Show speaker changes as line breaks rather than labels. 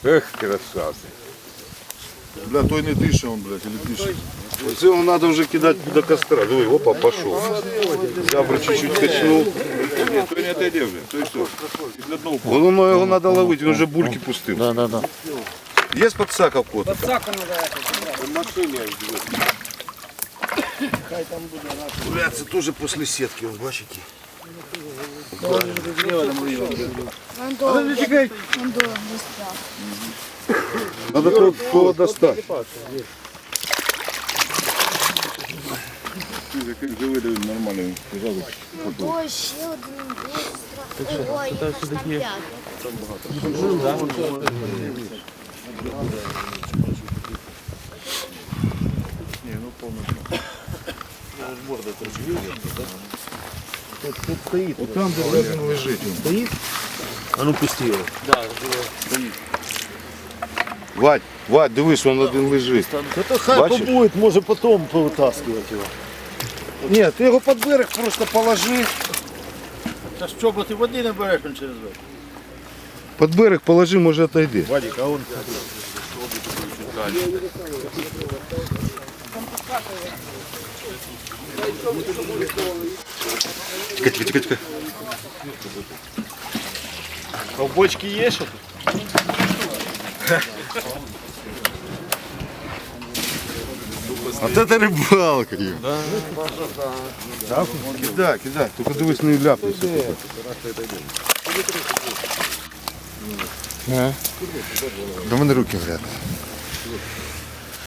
Ех, красавці.
Бля, той не дише, он, блядь, или дише.
Оце його треба вже кидати до костра. Диви, опа, пішов. Зябра чуть-чуть качнув.
Ні, той не отойде вже, той все. І для одного
Головне його треба ловити, він вже бульки пустив.
Да.
Є подсака в кота? Бля, це теж після сітки, ви бачите? Треба того достати.
вже видав нормально, лежав.
Ой, ще один. Ой, їх аж там 5.
От там, де він лежить.
А ну пусти його.
Вадь, дивись, він один лежить.
Это хай
Бачиш?
побует, може потом повитаскивать його.
Ні, ти його під берег просто положи.
Та що, бо ти води не береш він через верх.
Під берег положи, може отойде.
Вадик, а он...
Тихо.
А в бочці є що тут?
Вот это рыбалка. Да? Кидай. Только дивись, не ляпнися. До мене руки грязні.